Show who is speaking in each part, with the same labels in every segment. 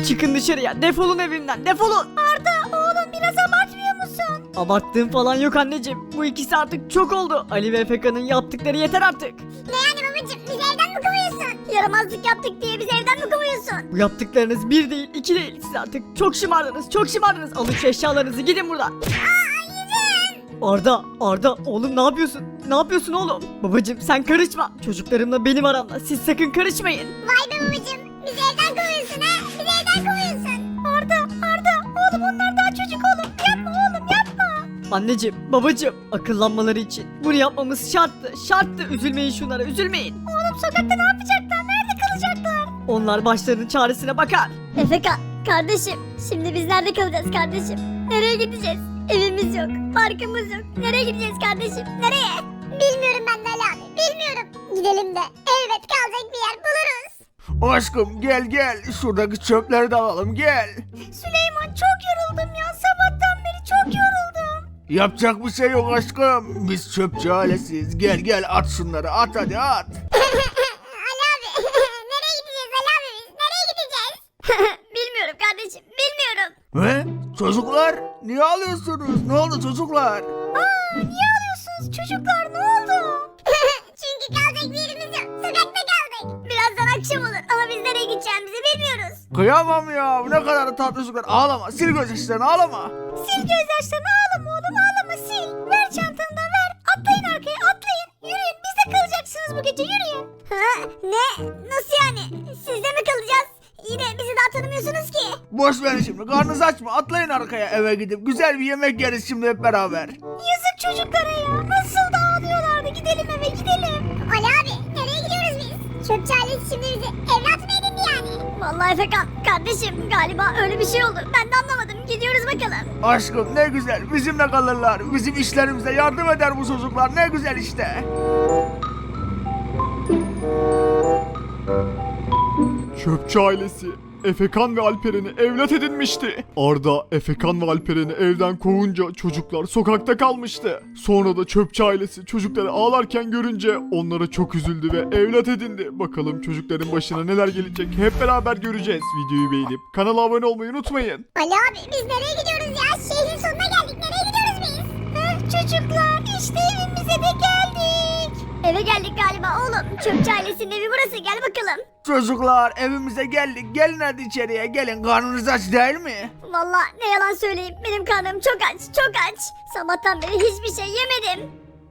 Speaker 1: Çıkın dışarıya, defolun evimden, defolun.
Speaker 2: Arda oğlum biraz abartmıyor musun?
Speaker 1: Abarttığım falan yok anneciğim. Bu ikisi artık çok oldu. Ali ve Efeka'nın yaptıkları yeter artık.
Speaker 2: Ne yani babacım bizi evden mi kovuyorsun? Yaramazlık yaptık diye bizi evden mi kovuyorsun?
Speaker 1: Bu yaptıklarınız bir değil, iki değil. Siz artık çok şımardınız, çok şımardınız. Alın şu eşyalarınızı, gidin buradan. Arda, oğlum ne yapıyorsun? Ne yapıyorsun oğlum? Babacım sen karışma. Çocuklarımla benim aramda. Siz sakın karışmayın.
Speaker 2: Vay be babacım bizi evden kovuyorsun ha? Bizi evden kovuyorsun. Arda oğlum onlar daha çocuk oğlum. Yapma oğlum yapma.
Speaker 1: Anneciğim, babacım, akıllanmaları için bunu yapmamız şarttı. Üzülmeyin şunlara, üzülmeyin.
Speaker 2: Oğlum sokakta ne yapacaklar? Nerede kalacaklar?
Speaker 1: Onlar başlarının çaresine bakar.
Speaker 2: Efeka kardeşim şimdi biz nerede kalacağız kardeşim? Nereye gideceğiz? Evimiz yok, parkımız yok. Nereye gideceğiz kardeşim? Nereye? Bilmiyorum ben de Ali abi, bilmiyorum. Gidelim de elbet kalacak bir yer buluruz.
Speaker 3: Aşkım gel şuradaki çöpleri de alalım gel.
Speaker 2: Süleyman çok yoruldum ya. Sabahtan beri çok yoruldum.
Speaker 3: Yapacak bir şey yok aşkım. Biz çöpçü ailesiyiz. Gel at şunları at hadi at.
Speaker 2: Ali abi nereye gideceğiz Ali abi biz? Nereye gideceğiz? Bilmiyorum kardeşim, bilmiyorum.
Speaker 3: He? Çocuklar niye ağlıyorsunuz? Ne oldu çocuklar?
Speaker 2: Niye ağlıyorsunuz çocuklar? Ne oldu? Çünkü kalacak bir yerimiz yok. Sokakta kaldık. Birazdan akşam olur ama biz nereye gideceğimizi bilmiyoruz.
Speaker 3: Kıyamam ya ne kadar da tatlı çocuklar. Ağlama sil gözyaşlarını ağlama.
Speaker 2: Sil gözyaşlarını ağlama oğlum ağlama sil. Ver çantanı da ver. Atlayın arkaya atlayın. Yürüyün biz de kalacaksınız bu gece yürüyün. Ha? Ne? Nasıl yani? Sizde mi kalacağız? Yine bizi daha tanımıyorsunuz ki.
Speaker 3: Boş verin şimdi karnınız aç mı? Atlayın arkaya eve gidip güzel bir yemek yeriz şimdi hep beraber.
Speaker 2: Yazık çocuklara ya. Nasıl da ağlıyorlardı. Gidelim eve gidelim. Ali abi nereye gidiyoruz biz? Çöpçü ailesi şimdi bizi evlat mı edindi yani? Vallahi Efekan kardeşim galiba öyle bir şey oldu. Ben de anlamadım. Gidiyoruz bakalım.
Speaker 3: Aşkım ne güzel bizimle kalırlar. Bizim işlerimize yardım eder bu çocuklar ne güzel işte.
Speaker 4: Çöpçü ailesi Efekan ve Alperen'i evlat edinmişti. Arda, Efekan ve Alperen'i evden kovunca çocuklar sokakta kalmıştı. Sonra da çöpçü ailesi çocukları ağlarken görünce onlara çok üzüldü ve evlat edindi. Bakalım çocukların başına neler gelecek hep beraber göreceğiz. Videoyu beğenip kanala abone olmayı unutmayın.
Speaker 2: Ali abi biz nereye gidiyoruz ya? Şehrin sonuna geldik. Nereye gidiyoruz biz? Çocuklar işte evimize de geldik. Eve geldik galiba oğlum. Çöpçü ailesinin evi burası. Gel bakalım.
Speaker 3: Çocuklar evimize geldik. Gelin hadi içeriye gelin. Karnınız aç değil mi?
Speaker 2: Vallahi ne yalan söyleyeyim. Benim karnım çok aç. Çok aç. Sabahtan beri hiçbir şey yemedim.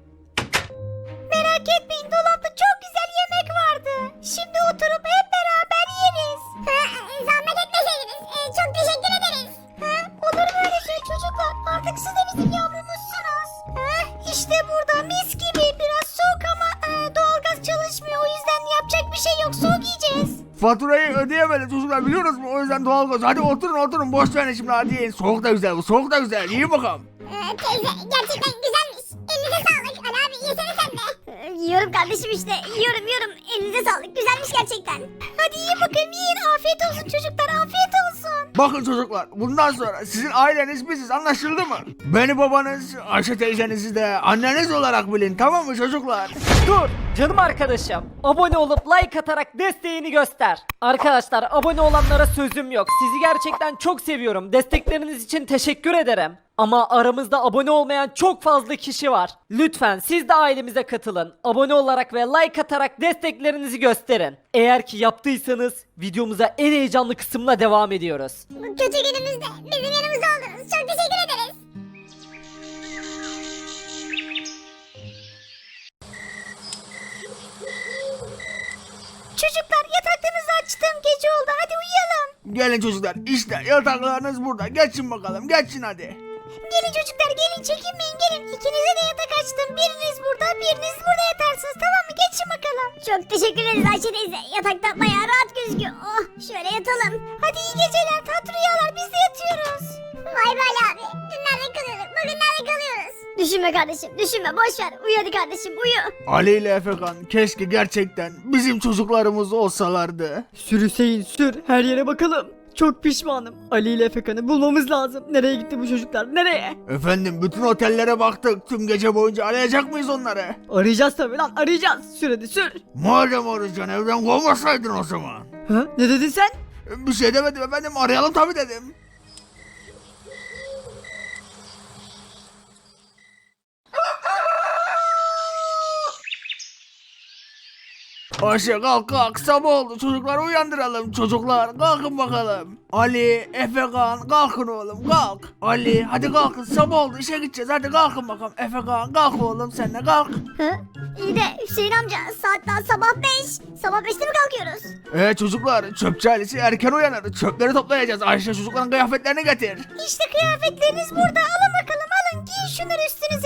Speaker 2: Merak etmeyin dolapta çok güzel yemek vardı. Şimdi oturup hep beraber yeriz. Zahmet etmeseydiniz. Çok teşekkür ederiz. Olur mu öyle şey çocuklar? Artık siz de bizim yavrumuzsunuz. İşte burada mis gibi. Biraz soğuk ama doğalgaz çalışmıyor. O yüzden yapacak bir şey yok. Soğuk yiyeceğiz.
Speaker 3: Faturayı ödeyemedik çocuklar biliyoruz mu? O yüzden doğalgaz. Hadi oturun boş verin şimdi hadi yiyin. Soğuk da güzel bu soğuk da güzel. İyi bakalım.
Speaker 2: Teyze gerçekten güzelmiş. Elinize sağlık. Ali abi yesene sen de. Yiyorum kardeşim işte. Yiyorum. Elinize sağlık. Güzelmiş gerçekten. Hadi yiyin bakayım yiyin. Afiyet olsun çocuklar. Afiyet olsun.
Speaker 3: Bakın çocuklar bundan sonra sizin aileniz biziz anlaşıldı mı? Beni babanız, Ayşe teyzenizi de anneniz olarak bilin tamam mı çocuklar?
Speaker 1: Dur canım arkadaşım. Abone olup like atarak desteğini göster. Arkadaşlar abone olanlara sözüm yok. Sizi gerçekten çok seviyorum. Destekleriniz için teşekkür ederim. Ama aramızda abone olmayan çok fazla kişi var. Lütfen siz de ailemize katılın. Abone olarak ve like atarak desteklerinizi gösterin. Eğer ki yaptıysanız videomuza en heyecanlı kısımla devam ediyoruz.
Speaker 2: Bu kötü günümüzde bizim yanımızda oldunuz. Çok teşekkür ederiz. Çocuklar yataklarınızı açtım. Gece oldu. Hadi uyuyalım.
Speaker 3: Gelin çocuklar işte yataklarınız burada geçin bakalım geçin hadi.
Speaker 2: Gelin çocuklar gelin çekinmeyin gelin. İkinize de yatak açtım. Biriniz burada biriniz burada yatarsınız tamam mı? Geçin bakalım. Çok teşekkür ederiz Ayşe teyze. Yatakta bayağı rahat gözüküyor. Oh şöyle yatalım. Hadi iyi geceler tatlı rüyalar biz de yatıyoruz. Vay be Ali abi. Dün nerede kalıyorduk bugün nerede kalıyoruz? Düşünme kardeşim düşünme boş ver. Uyu hadi kardeşim uyu.
Speaker 3: Ali ile Efekan keşke gerçekten bizim çocuklarımız olsalardı.
Speaker 1: Sür Hüseyin sür, her yere bakalım. Çok pişmanım. Ali ile Efekan'ı bulmamız lazım. Nereye gitti bu çocuklar? Nereye?
Speaker 3: Efendim bütün otellere baktık tüm gece boyunca arayacak mıyız onları?
Speaker 1: Arayacağız tabii lan, arayacağız. Sür hadi sür.
Speaker 3: Madem arayacaksın evden kovmasaydın o zaman.
Speaker 1: Ha? Ne dedin sen?
Speaker 3: Bir şey demedim efendim, arayalım tabii dedim. Ayşe kalk kalk, sabah oldu, çocukları uyandıralım. Çocuklar kalkın bakalım. Ali, Efekan kalkın oğlum kalk. Ali hadi kalkın, sabah oldu, işe gideceğiz, hadi kalkın bakalım. Efekan kalk oğlum, sen de kalk.
Speaker 2: Hı? İyi de Hüseyin amca saat daha sabah 5. Sabah 5'te mi kalkıyoruz?
Speaker 3: Çocuklar, çöpçü ailesi erken uyanır, çöpleri toplayacağız. Ayşe çocukların kıyafetlerini getir.
Speaker 2: İşte kıyafetleriniz burada. Alın bakalım alın. Giyin şunları üstünüze.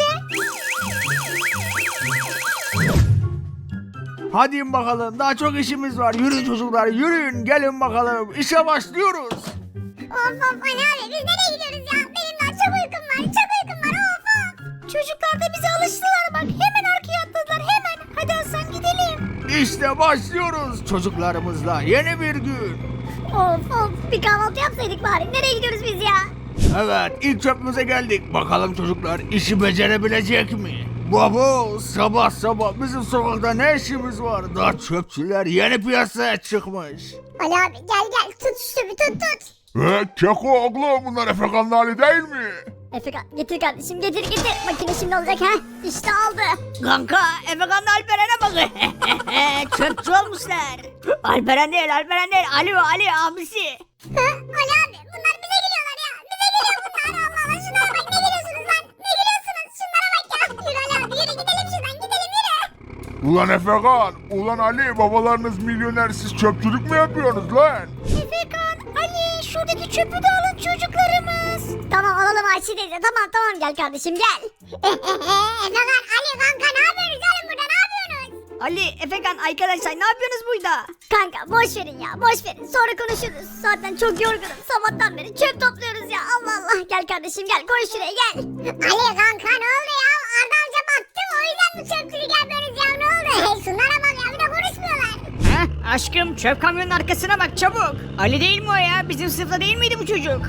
Speaker 3: Hadi in bakalım, daha çok işimiz var. Yürüyün çocuklar, yürüyün, gelin bakalım, işe başlıyoruz.
Speaker 2: Of Ali abi biz nereye gidiyoruz ya? Benim daha çok uykum var. Çok uykum var. Of. Çocuklar da bize alıştılar bak. Hemen arkaya atladılar hemen. Hadi Hasan gidelim.
Speaker 3: İşte başlıyoruz çocuklarımızla yeni bir gün.
Speaker 2: Of bir kahvaltı yapsaydık bari. Nereye gidiyoruz biz ya?
Speaker 3: Evet, ilk çöpümüze geldik. Bakalım çocuklar işi becerebilecek mi? Baba, sabah sabah bizim sokakta ne işimiz var? Daha çöpçüler yeni piyasaya çıkmış.
Speaker 2: Ali abi gel tut şu bir tut.
Speaker 3: Keko oğlum, bunlar Efekan'ın hali değil mi?
Speaker 2: Efekan getir kardeşim getir. Makine şimdi olacak ha. İşte aldı.
Speaker 5: Kanka Efekan'la Alperen'e bakın. Çöpçü olmuşlar. Alperen değil Ali abisi.
Speaker 2: Ali abi bunlar bize geliyorlar ya. Bize geliyor bunlar. Allah Allah şunlara bak ne geliyorsunuz lan? Ne geliyorsunuz? Şunlara bak ya. Yürü Ali abi yürü gidelim şuradan gidelim yürü.
Speaker 3: Ulan Efekan, ulan Ali, babalarınız milyoner, siz çöpçülük mü yapıyorsunuz lan?
Speaker 2: Efekan, Ali şuradaki çöpü de alın çocuklarımız. Tamam alalım Ayşe teyze tamam gel kardeşim gel. Efekan, Ali kanka ne yapıyorsunuz oğlum burada ne yapıyorsunuz?
Speaker 5: Ali, Efekan arkadaşlar ne yapıyorsunuz burada?
Speaker 2: Kanka boş verin ya boş verin sonra konuşuruz. Zaten çok yorgunum sabahtan beri çöp topluyoruz ya Allah Allah. Gel kardeşim gel koy şuraya gel. Ali kanka ne oldu ya Arda amca baktı o yüzden bu çöpçülük yapıyoruz ya ne oldu? Şunlara bak ya bir de konuşmuyorlar.
Speaker 5: Heh, aşkım çöp kamyonun arkasına bak çabuk. Ali değil mi o ya? Bizim sınıfta değil miydi bu çocuk?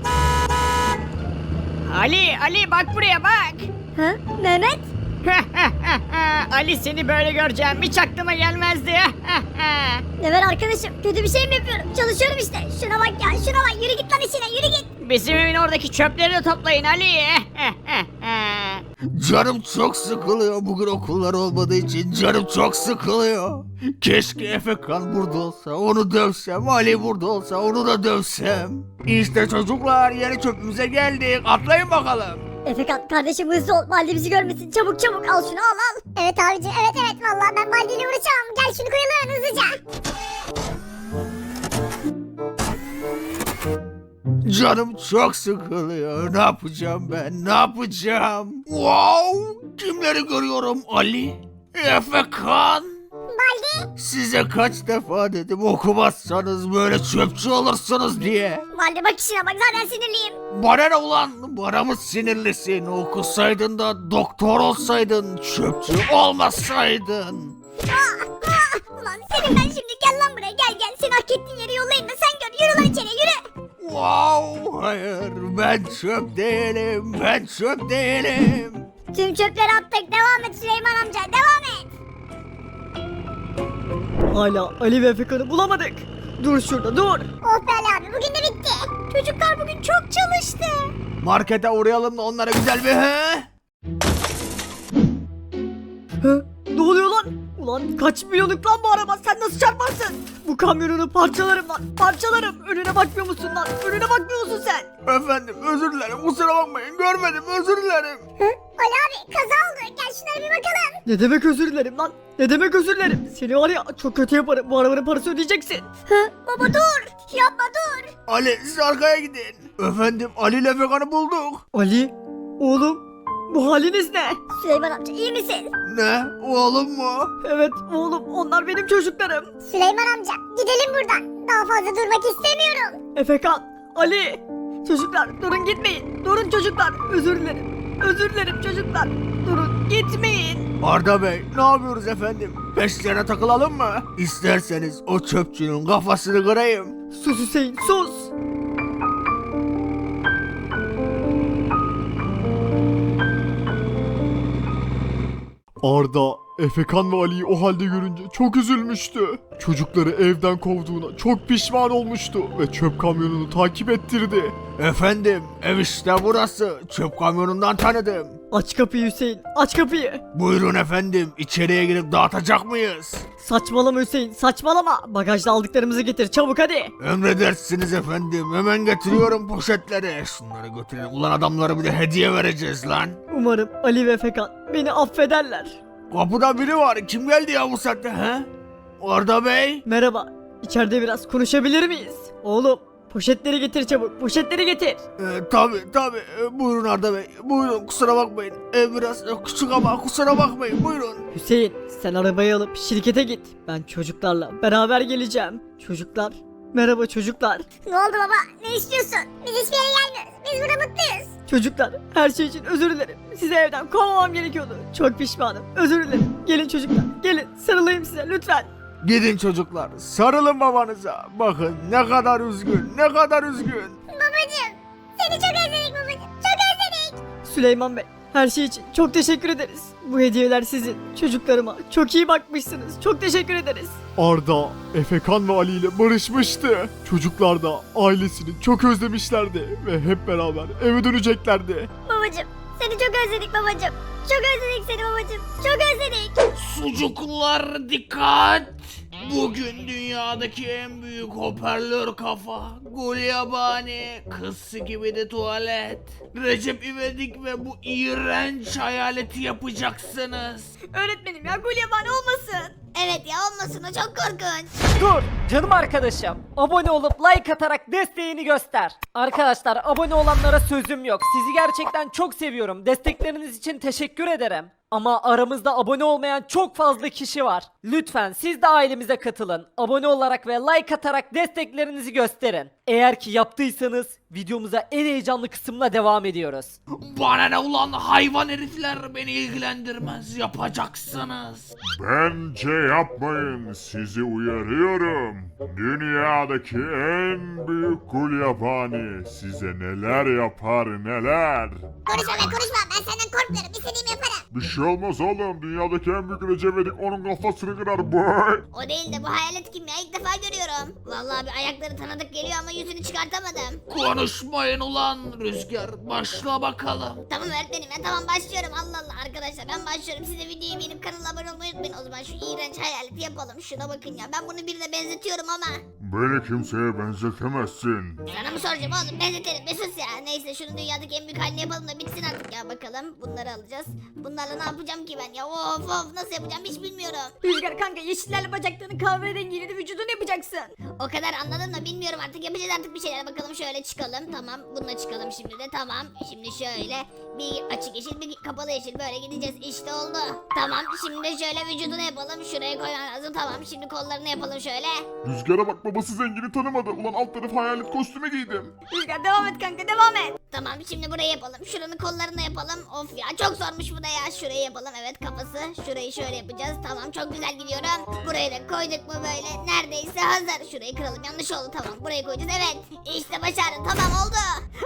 Speaker 5: Ali bak buraya bak.
Speaker 2: Ha Mehmet?
Speaker 5: Ali seni böyle göreceğim hiç aklıma gelmezdi.
Speaker 2: Ne var arkadaşım kötü bir şey mi yapıyorum çalışıyorum işte. Şuna bak ya şuna bak yürü git lan işine yürü git.
Speaker 5: Bizim evin oradaki çöpleri de toplayın Ali.
Speaker 3: Canım çok sıkılıyor, bugün okullar olmadığı için canım çok sıkılıyor. Keşke Efekan burada olsa, onu dövsem, Ali burada olsa, onu da dövsem. İşte çocuklar, yeni çöpümüze geldik, atlayın bakalım.
Speaker 2: Efekan kardeşim hızlı ol Baldi bizi görmesin çabuk al şunu al. Evet abicim evet vallahi ben Baldi ile uğraşamam gel şunu koyalım hızlıca.
Speaker 3: Canım çok sıkılıyor, ne yapacağım ben, ne yapacağım? Wow, kimleri görüyorum? Ali, Efekan.
Speaker 2: Baldi.
Speaker 3: Size kaç defa dedim okumazsanız böyle çöpçü olursunuz diye.
Speaker 2: Baldi bak işine bak zaten sinirliyim.
Speaker 3: Bana ne ulan? Bana mı sinirlisin? Okusaydın da doktor olsaydın, çöpçü olmasaydın.
Speaker 2: Ulan senin ben şimdi gel lan buraya gel seni hak ettiğin yere yollayayım da sen gör yürü lan içeri yürü.
Speaker 3: Wow, hayır, ben çöp değilim.
Speaker 2: Tüm çöpleri attık devam et Süleyman amca devam et.
Speaker 1: Hala Ali ve Efekan'ı bulamadık. Dur şurada dur.
Speaker 2: Oh be Ali abi bugün de bitti. Çocuklar bugün çok çalıştı.
Speaker 3: Markete uğrayalım da onlara güzel bir
Speaker 1: Ne oluyor lan? Ulan kaç milyonluk lan bu araba sen nasıl çarparsın? Bu kamyonunu parçalarım lan parçalarım. Önüne bakmıyor musun lan? Önüne bakmıyor musun sen?
Speaker 3: Efendim özür dilerim, kusura bakmayın, görmedim, özür dilerim.
Speaker 2: Ali abi kaza oldu gel şunlara bir bakalım.
Speaker 1: Ne demek özür dilerim lan? Ne demek özür dilerim? Seni var ya çok kötü yaparım. Bu arabanın parası ödeyeceksin.
Speaker 2: Baba dur yapma dur.
Speaker 3: Ali, siz arkaya gidin. Efendim, Ali ile Efekan'ı bulduk.
Speaker 1: Ali, oğlum bu haliniz ne?
Speaker 2: Süleyman amca iyi misin?
Speaker 3: Ne, oğlum mu?
Speaker 1: Evet oğlum onlar benim çocuklarım.
Speaker 2: Süleyman amca gidelim buradan. Daha fazla durmak istemiyorum.
Speaker 1: Efekan, Ali. Çocuklar durun gitmeyin. Durun çocuklar. Özür dilerim. Özür dilerim çocuklar. Durun gitmeyin.
Speaker 3: Arda Bey, ne yapıyoruz efendim? Peşlerine takılalım mı? İsterseniz o çöpçünün kafasını kırayım.
Speaker 1: Sus Hüseyin sus.
Speaker 4: Arda, Efekan ve Ali'yi o halde görünce çok üzülmüştü. Çocukları evden kovduğuna çok pişman olmuştu ve çöp kamyonunu takip ettirdi.
Speaker 3: Efendim ev işte burası. Çöp kamyonundan tanıdım.
Speaker 5: Aç kapıyı Hüseyin, aç kapıyı.
Speaker 3: Buyurun efendim içeriye girip dağıtacak mıyız?
Speaker 5: Saçmalama Hüseyin, saçmalama. Bagajda aldıklarımızı getir çabuk hadi.
Speaker 3: Emredersiniz efendim. Hemen getiriyorum poşetleri. Şunları götürelim. Ulan adamlara bir de hediye vereceğiz lan.
Speaker 5: Umarım Ali ve Efekan beni affederler.
Speaker 3: Kapıda biri var. Kim geldi ya bu saatte he? Arda Bey.
Speaker 5: Merhaba, içeride biraz konuşabilir miyiz? Oğlum, poşetleri getir çabuk, poşetleri getir.
Speaker 3: Tabi. Buyurun Arda Bey. Buyurun kusura bakmayın. Ev biraz küçük ama kusura bakmayın. Buyurun.
Speaker 5: Hüseyin, sen arabayı alıp şirkete git. Ben çocuklarla beraber geleceğim. Çocuklar, merhaba çocuklar.
Speaker 2: Ne oldu baba? Ne istiyorsun? Biz hiçbir yere gelmiyoruz. Biz burada mutluyuz.
Speaker 5: Çocuklar, her şey için özür dilerim. Sizi evden kovmamam gerekiyordu. Çok pişmanım, özür dilerim. Gelin çocuklar, gelin sarılayım size lütfen.
Speaker 3: Gidin çocuklar. Sarılın babanıza. Bakın ne kadar üzgün. Ne kadar üzgün.
Speaker 2: Babacım. Seni çok özledik babacım. Çok özledik.
Speaker 5: Süleyman Bey, her şey için çok teşekkür ederiz. Bu hediyeler sizin. Çocuklarıma çok iyi bakmışsınız. Çok teşekkür ederiz.
Speaker 4: Arda, Efekan ve Ali ile barışmıştı. Çocuklar da ailesini çok özlemişlerdi ve hep beraber eve döneceklerdi.
Speaker 2: Babacım. Seni çok özledik babacım. Çok özledik seni babacım. Çok özledik.
Speaker 3: Sucuklar dikkat. Bugün dünyadaki en büyük hoparlör kafa, Gulyabani, kız gibi de tuvalet, Recep İvedik ve bu iğrenç hayaleti yapacaksınız.
Speaker 5: Öğretmenim ya Gulyabani olmasın.
Speaker 2: Evet ya olmasın o çok korkunç.
Speaker 1: Dur canım arkadaşım. Abone olup like atarak desteğini göster. Arkadaşlar abone olanlara sözüm yok. Sizi gerçekten çok seviyorum. Destekleriniz için teşekkür ederim. Ama aramızda abone olmayan çok fazla kişi var. Lütfen siz de ailemize katılın. Abone olarak ve like atarak desteklerinizi gösterin. Eğer ki yaptıysanız videomuza en heyecanlı kısımla devam ediyoruz.
Speaker 3: Bana ne ulan hayvan herifler, beni ilgilendirmez, yapacaksınız.
Speaker 6: Bence yapmayın, sizi uyarıyorum. Dünyadaki en büyük gulyabani size neler yapar neler.
Speaker 2: Konuşma be konuşma. Ben senden korkmuyorum. İstediğimi yaparım.
Speaker 6: Bir şey olmaz oğlum, dünyadaki en büyük Recep İvedik onun kafasını kırar boy.
Speaker 2: O değil de bu hayalet kim ya? İlk defa görüyorum. Vallahi bir ayakları tanıdık geliyor ama yüzünü çıkartamadım.
Speaker 3: Konuşmayın ulan Rüzgar, başla bakalım.
Speaker 2: Tamam öğretmenim ya tamam başlıyorum. Allah Allah arkadaşlar ben başlıyorum. Siz de videoyu beğenip kanala abone olmayı unutmayın. O zaman şu iğrenç hayaleti yapalım. Şuna bakın ya ben bunu birine benzetiyorum ama.
Speaker 6: Beni kimseye benzetemezsin.
Speaker 2: Sana mı soracağım oğlum benzetelim bir sus ya. Neyse şunu dünyadaki en büyük halini yapalım da bitsin artık ya bakalım. Bunları alacağız. Bunlarla ne yapacağım ki ben ya? Of nasıl yapacağım hiç bilmiyorum.
Speaker 5: Rüzgar kanka yeşillerle bacaklarını kahverengiyle de vücudunu yapacaksın.
Speaker 2: O kadar anladım da bilmiyorum artık yapacağız artık bir şeyler bakalım şöyle çıkalım tamam bununla çıkalım şimdi de tamam şimdi şöyle bir açık yeşil bir kapalı yeşil böyle gideceğiz işte oldu tamam şimdi de şöyle vücudunu yapalım şuraya koymam lazım tamam şimdi kollarını yapalım şöyle.
Speaker 6: Rüzgara bak, babası zengini tanımadı. Ulan alt tarafı hayalet kostümü giydim.
Speaker 5: Rüzgar devam et kanka devam et.
Speaker 2: Tamam şimdi burayı yapalım şuranın kollarını yapalım of ya çok zormuş bu da ya şurayı yapalım evet kafası şurayı şöyle yapacağız tamam çok güzel gidiyorum burayı da koyduk mu böyle neredeyse hazır şurayı kıralım yanlış oldu tamam burayı koyacağız evet işte başardım tamam oldu.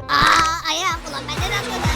Speaker 2: Ayağım ulan ben neden atladım.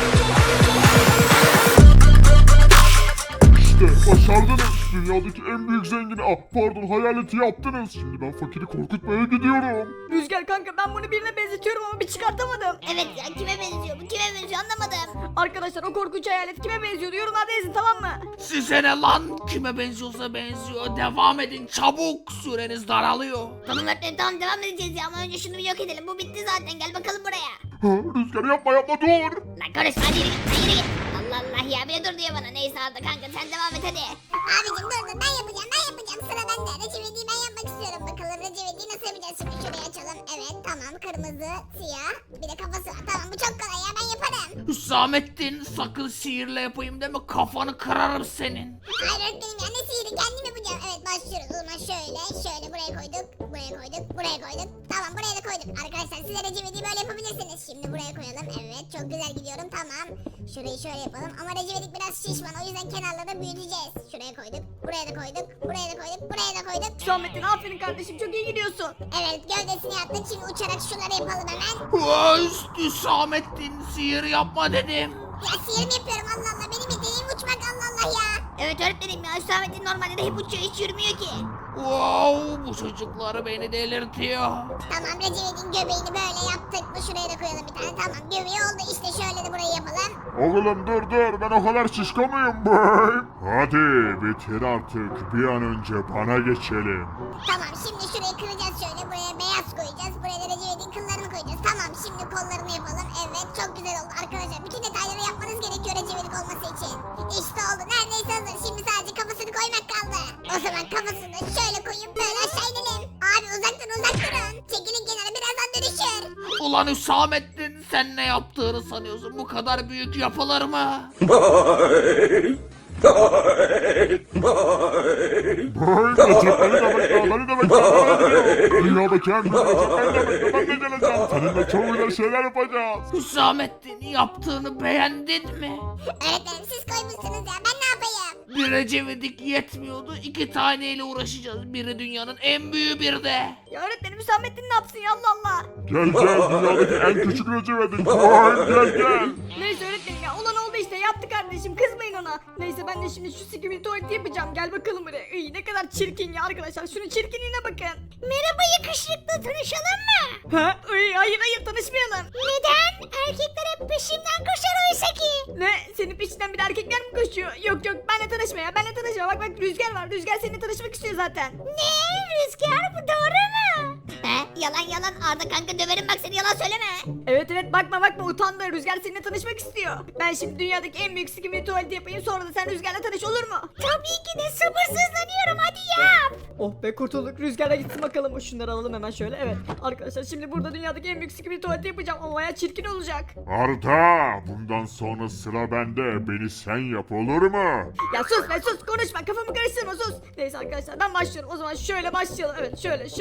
Speaker 6: İşte başardınız. Dünyadaki en büyük zengini, hayaleti yaptınız. Şimdi ben fakiri korkutmaya gidiyorum.
Speaker 5: Rüzgar kanka ben bunu birine benzetiyorum ama bir çıkartamadım.
Speaker 2: Evet ya kime benziyor bu kime benziyor anlamadım.
Speaker 5: Arkadaşlar o korkunç hayalet kime benziyor yorumlarda yazın tamam mı?
Speaker 3: Size ne lan? Kime benziyorsa benziyor. Devam edin çabuk. Süreniz daralıyor.
Speaker 2: Tamam öğretmenim tamam devam edeceğiz ya ama önce şunu bir yok edelim bu bitti zaten gel bakalım buraya.
Speaker 6: Ha, Rüzgar yapma dur.
Speaker 2: Lan konuşma hadi yürü git lan yürü git. Allah Allah ya bir de dur diyor bana neyse Arda kanka sen devam et hadi. Abicim dur ben yapacağım sıra bende. Recep İvedik'i ben yapmak istiyorum bakalım Recep İvedik'i nasıl yapacağız şimdi şurayı açalım. Evet tamam kırmızı siyah bir de kafası var tamam bu çok kolay ya ben yaparım.
Speaker 3: Hüsamettin sakın sihirle yapayım deme, kafanı kırarım senin.
Speaker 2: Hayır öğretmenim ya ne sihiri kendim yapacağım. Evet başlıyoruz o zaman şöyle buraya koyduk buraya koyduk. Tamam buraya da koyduk. Arkadaşlar siz de Recep İvedik'i böyle yapabilirsiniz. Şimdi buraya koyalım evet çok güzel gidiyorum tamam. Şurayı şöyle yapalım ama Recep İvedik biraz şişman o yüzden kenarları büyüteceğiz. Şuraya koyduk buraya da koyduk buraya da koyduk buraya da koyduk.
Speaker 5: Hüsamettin aferin kardeşim çok iyi gidiyorsun.
Speaker 2: Evet gövdesini yaptık şimdi uçarak şunları yapalım hemen.
Speaker 3: Hüsamettin sihir yapma dedim.
Speaker 2: Ya sihir mi yapıyorum Allah Allah benim yeteneğim uçmak Allah Allah ya. Evet öğretmenim ya Hüsamettin normalde de hep uçuyor hiç yürümüyor ki.
Speaker 3: Wow, bu çocuklar beni delirtiyor.
Speaker 2: Tamam Recep'in göbeğini böyle yaptık mı şuraya da koyalım bir tane tamam göbeği oldu işte şöyle de burayı yapalım.
Speaker 6: Oğlum dur ben o kadar şişko muyum? Hadi bitir artık bir an önce bana geçelim.
Speaker 2: Tamam şimdi şurayı kıracağız şöyle buraya beyaz koyacağız buraya da Recep'in kıllarını koyacağız. Tamam şimdi kollarını yapalım evet çok güzel oldu arkadaşlar bütün detayları yapmanız gerekiyor Recep'in olması için. İşte oldu neredeyse hazır şimdi sadece kafasını koymak kaldı. O zaman kafasını şöyle koyup böyle aşağı inelim. Abi uzak durun çekilin kenara birazdan dönüşür.
Speaker 3: Ulan Hüsamettin, sen ne yaptığını sanıyorsun? Bu kadar büyük yapılır mı?
Speaker 6: Beni de bekle. Dünyadaki en büyük Recep ben de geleceğim. Seninle çok güzel şeyler yapacağız.
Speaker 3: Hüsamettin, yaptığını beğendin mi?
Speaker 2: Öğretmenim siz koymuşsunuz ya ben ne yapayım?
Speaker 3: Bir Ecevidik yetmiyordu. 2 taneyle uğraşacağız. Biri dünyanın en büyüğü, bir de.
Speaker 5: Ya öğretmenim Hüsamettin ne yapsın ya Allah Allah.
Speaker 6: Gel dünyadaki en küçük Recep'edik. Gel.
Speaker 5: Neyse öğretmenim ya olan oldu işte yaptı kardeşim kızmayın ona. Neyse ben de şimdi şu sikimi tuvaleti yapacağım gel bakalım buraya. Iy, ne kadar çirkin ya arkadaşlar şunun çirkinliğine bakın.
Speaker 2: Merhaba yakışıklı tanışalım mı?
Speaker 5: Ha? Iy, hayır tanışmayalım.
Speaker 2: Neden? Erkekler hep peşimden koşar oysa ki.
Speaker 5: Ne? Senin peşinden bir erkekler mi koşuyor? Yok benle tanışma ya benle tanışma. Bak Rüzgar var. Rüzgar seninle tanışmak istiyor zaten.
Speaker 2: Ne? Rüzgar bu doğru mu? He? Yalan Arda kanka döverim bak seni yalan söyleme.
Speaker 5: Evet bakma utandı. Rüzgar seninle tanışmak istiyor. Ben şimdi dünyadaki en büyük sikimli tuvaleti yapayım sonra da sen Rüzgar'la tanış olur mu?
Speaker 2: Tabii ki de sabırsızlanıyorum hadi yap.
Speaker 5: Oh be kurtulduk. Rüzgar'a gitsin bakalım. Şunları alalım hemen şöyle. Evet arkadaşlar şimdi burada dünyadaki en büyük sikimli tuvaleti yapacağım. Ama bayağı çirkin olacak.
Speaker 6: Arda, bundan sonra sıra bende. Beni sen yap olur mu?
Speaker 5: Ya sus be sus konuşma kafamı karıştırma sus. Neyse arkadaşlar ben başlıyorum o zaman şöyle başlayalım. Evet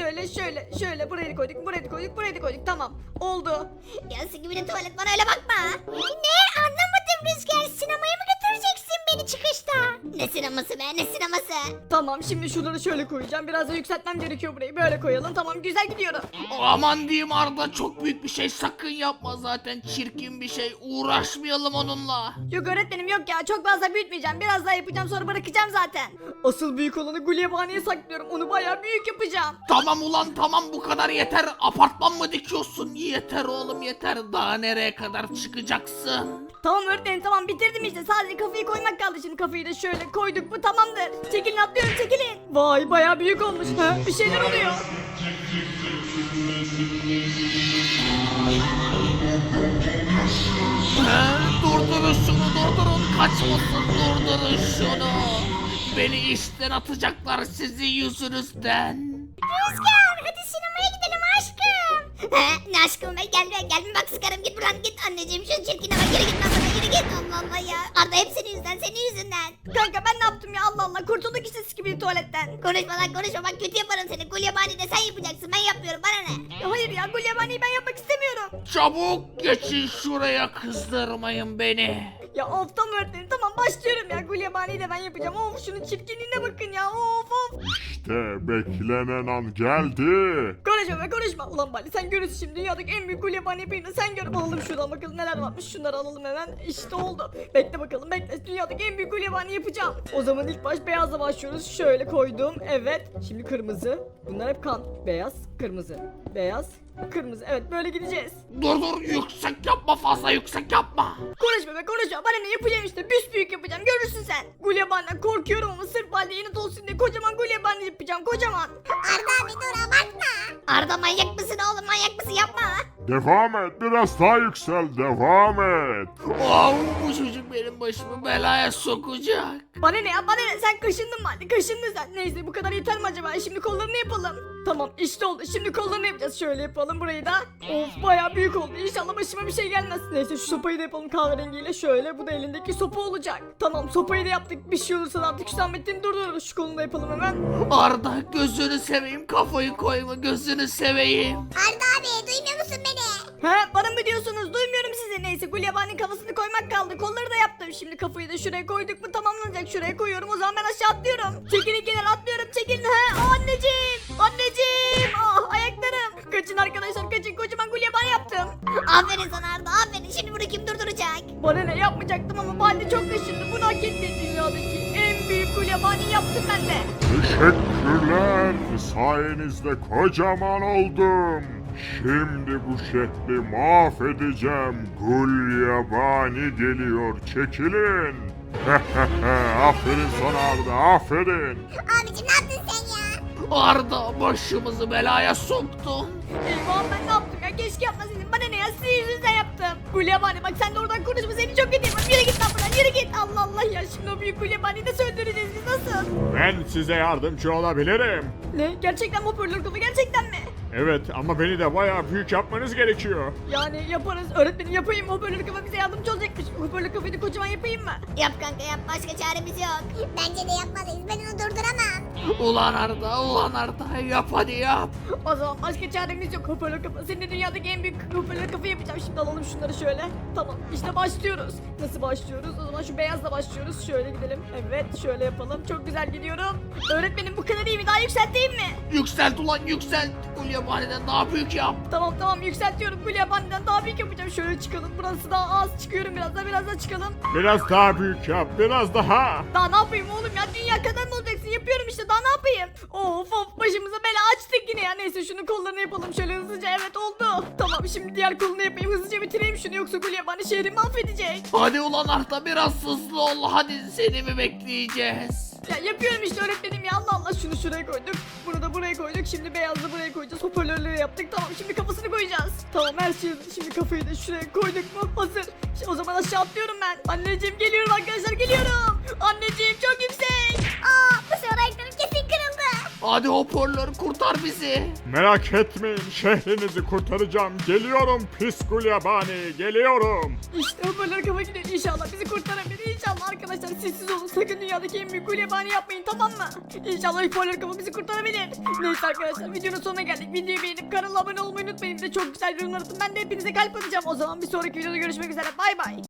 Speaker 5: şöyle buraya koyduk tamam oldu.
Speaker 2: Ya gibi de tuvalet bana öyle bakma. Ne? Anlamadım Rüzgar sinemaya mı götüreceksin beni çıkışta? Ne sineması be ne sineması?
Speaker 5: Tamam şimdi şunları şöyle koyacağım biraz da yükseltmem gerekiyor burayı böyle koyalım tamam güzel gidiyorum.
Speaker 3: Aman diyeyim Arda, çok büyük bir şey sakın yapma, zaten çirkin bir şey, uğraşmayalım onunla.
Speaker 5: Yok öğretmenim yok ya çok fazla büyütmeyeceğim biraz daha yapacağım sonra bırakacağım zaten. Asıl büyük olanı Gulyabani'ye saklıyorum onu bayağı büyük yapacağım.
Speaker 3: Tamam ulan tamam, bu kadar yeter. Apartman mı dikiyorsun? Yeter oğlum yeter, daha nereye kadar çıkacaksın?
Speaker 5: Tamam öğretmenim tamam bitirdim işte sadece kafayı koymak kaldı şimdi kafayı da şöyle koyduk mu tamamdır. Çekilin atlıyorum çekilin. Vay bayağı büyük olmuş ha bir şeyler oluyor.
Speaker 3: Durdurun şunu, durdurun, kaçmasın, durdurun şunu. Beni işten atacaklar sizin yüzünüzden.
Speaker 2: Rüzgar hadi sinemaya gidelim aşkım. He ne aşkım be gel bak sıkarım git buradan git anneciğim şu çirkine bak yürü git lan buradan yürü git Allah Allah ya. Arda hep senin yüzünden.
Speaker 5: Kanka ben ne yaptım ya Allah Allah kurtulduk işte sikibili tuvaletten.
Speaker 2: Konuşma bak kötü yaparım seni. Gulyabani de sen yapacaksın ben yapmıyorum bana ne?
Speaker 5: Ya hayır ya Gulyabani'yi ben yapmak istemiyorum.
Speaker 3: Çabuk geçin şuraya, kızdırmayın beni.
Speaker 5: Ya of tam öğretmenim tamam başlıyorum ya Gulyabani'yi de ben yapacağım. Of şunun çirkinliğine bakın ya of.
Speaker 6: İşte beklenen an geldi.
Speaker 5: Konuşma. Ulan Bali sen görürsün şimdi dünyadaki en büyük Gulyabani yapayım da sen gör. Alalım şuradan bakalım neler varmış şunları alalım hemen. İşte oldu. Bekle bakalım bekle dünyadaki en büyük Gulyabani yapacağım. O zaman ilk baş beyazla başlıyoruz. Şöyle koydum evet. Şimdi kırmızı. Bunlar hep kan. Beyaz kırmızı. Beyaz kırmızı. Evet böyle gideceğiz.
Speaker 3: Dur yüksek yapma, fazla yüksek yapma.
Speaker 5: Konuşma bana ne yapacağım işte büyük yapacağım görürsün sen. Gulyabani'den korkuyorum ama sırf Bali yeni olsun diye kocaman Gulyabani yapacağım kocaman.
Speaker 2: Arda abi dur abartma. Arda manyak mısın oğlum manyak mısın yapma.
Speaker 6: Devam et, biraz daha yüksel, devam et.
Speaker 3: Bu çocuk benim başımı belaya sokacak.
Speaker 5: Bana ne sen kaşındın Bali kaşındın sen. Neyse bu kadar yeter mi acaba şimdi kollarını yapalım. Tamam işte oldu şimdi kollarını yapacağız şöyle yapalım burayı da. Of bayağı büyük oldu İnşallah başıma bir şey gelmez. Neyse şu sopayı da yapalım kahverengiyle şöyle bu da elindeki sopa olacak. Tamam sopayı da yaptık bir şey olursa da artık Hüsamettin'i durdururuz şu kolunu da yapalım hemen.
Speaker 3: Arda gözünü seveyim, kafayı koyma, gözünü seveyim.
Speaker 2: Arda abi duymuyor musun beni?
Speaker 5: He bana mı diyorsunuz duymuyorum sizi. Neyse Gulyabani'nin kafasını koymak kaldı kolları da yaptım. Şimdi kafayı da şuraya koyduk mu tamamlanacak şuraya koyuyorum o zaman ben aşağı atlıyorum. Çekilin kenara atlıyorum çekilin he anneciğim ah ayaklarım. Kaçın arkadaşlar kaçın kocaman Gulyabani yaptım. yaptım.
Speaker 2: Aferin sana Arda aferin. Şimdi bunu kim durduracak?
Speaker 5: Bana ne yapmayacaktım ama Baldi çok kaşındı. Bunu hak etti. Dünyadaki en büyük gulyabani yaptım ben de.
Speaker 6: Teşekkürler. Sayenizde kocaman oldum. Şimdi bu şehri mahvedeceğim. Gulyabani geliyor. Çekilin. Aferin sana Arda, aferin.
Speaker 2: Abicim ne yaptın sen ya?
Speaker 3: Arda başımızı belaya soktun.
Speaker 5: Eyvah ben ne yaptım ya? Keşke yapmasaydım. Bana ne ya? Sizin yüzünüzden yaptım. Gulyabani bak sen de oradan konuşma. Seni çok kötü yaparım. Yürü git lan buradan. Yürü git. Allah Allah ya. Şimdi o büyük gulyabaniyi de söndüreceğiz biz nasıl?
Speaker 6: Ben size yardımcı olabilirim.
Speaker 5: Ne? Gerçekten mi hoparlör kafa? Gerçekten mi?
Speaker 6: Evet ama beni de bayağı büyük yapmanız gerekiyor.
Speaker 5: Yani yaparız. Öğretmenim yapayım. Hoparlör kafa bize yardımcı olacakmış. Hoparlör kafayı da kocaman yapayım mı?
Speaker 2: Yap kanka yap başka çaremiz yok. Bence de yapmalıyız ben onu durduramam.
Speaker 3: Ulan Arda yap hadi yap.
Speaker 5: O zaman başka çaremiz yok. Hoparlör kafa. Senin de dünyadaki en büyük hoparlör kafa yapacağım. Şimdi alalım şunları şöyle. Tamam. İşte başlıyoruz. Nasıl başlıyoruz? O zaman şu beyazla başlıyoruz. Şöyle gidelim. Evet şöyle yapalım. Çok güzel gidiyorum. Öğretmenim bu kadar iyi mi? Daha yükselteyim mi?
Speaker 3: Yükselt ulan yükselt. Gulyabaniden daha büyük yap.
Speaker 5: Tamam yükseltiyorum. Gulyabani'den daha büyük yapacağım. Şöyle çıkalım. Burası daha az. Çıkıyorum biraz daha çıkalım.
Speaker 6: Biraz daha büyük yap, biraz daha.
Speaker 5: Daha ne yapayım oğlum ya? Dünya kadar mı olacaksın? Yapıyorum işte. Daha ne yapayım? Of başımıza bela açtık yine ya. Neyse şunun kollarını yapalım şöyle hızlıca. Evet oldu. Tamam şimdi diğer kolunu yapayım. Hızlıca bitireyim şunu yoksa Gulyabani şehri mahvedecek.
Speaker 3: Hadi ulan Arda biraz hızlı ol. Hadi seni mi bekleyeceğiz?
Speaker 5: Ya yapıyorum işte öğretmenim ya. Allah Allah şunu şuraya koyduk. Bunu da buraya koyduk. Şimdi beyazı buraya koyacağız. Hoparlörleri yaptık. Tamam şimdi kafasını koyacağız. Tamam her şey hazır. Şimdi kafayı da şuraya koyduk mu? Hazır. O zaman aşağı atlıyorum ben. Anneciğim geliyorum arkadaşlar geliyorum. Anneciğim çok yüksek.
Speaker 2: Aa bu sefer ayaklarım kesin kırıldı.
Speaker 3: Hadi hoparlör kurtar bizi.
Speaker 6: Merak etmeyin, şehrinizi kurtaracağım. Geliyorum pis Gulyabani, geliyorum.
Speaker 5: İşte hoparlör kafa gidiyor. İnşallah bizi kurtarabilir. İnşallah arkadaşlar sessiz olun. Sakın dünyadaki en büyük gulyabani yapmayın tamam mı? İnşallah hoparlör kafa bizi kurtarabilir. Neyse arkadaşlar videonun sonuna geldik. Videoyu beğenip kanala abone olmayı unutmayın. Bir de çok güzel yorumlar atın. Ben de hepinize kalp atacağım. O zaman bir sonraki videoda görüşmek üzere. Bay bay.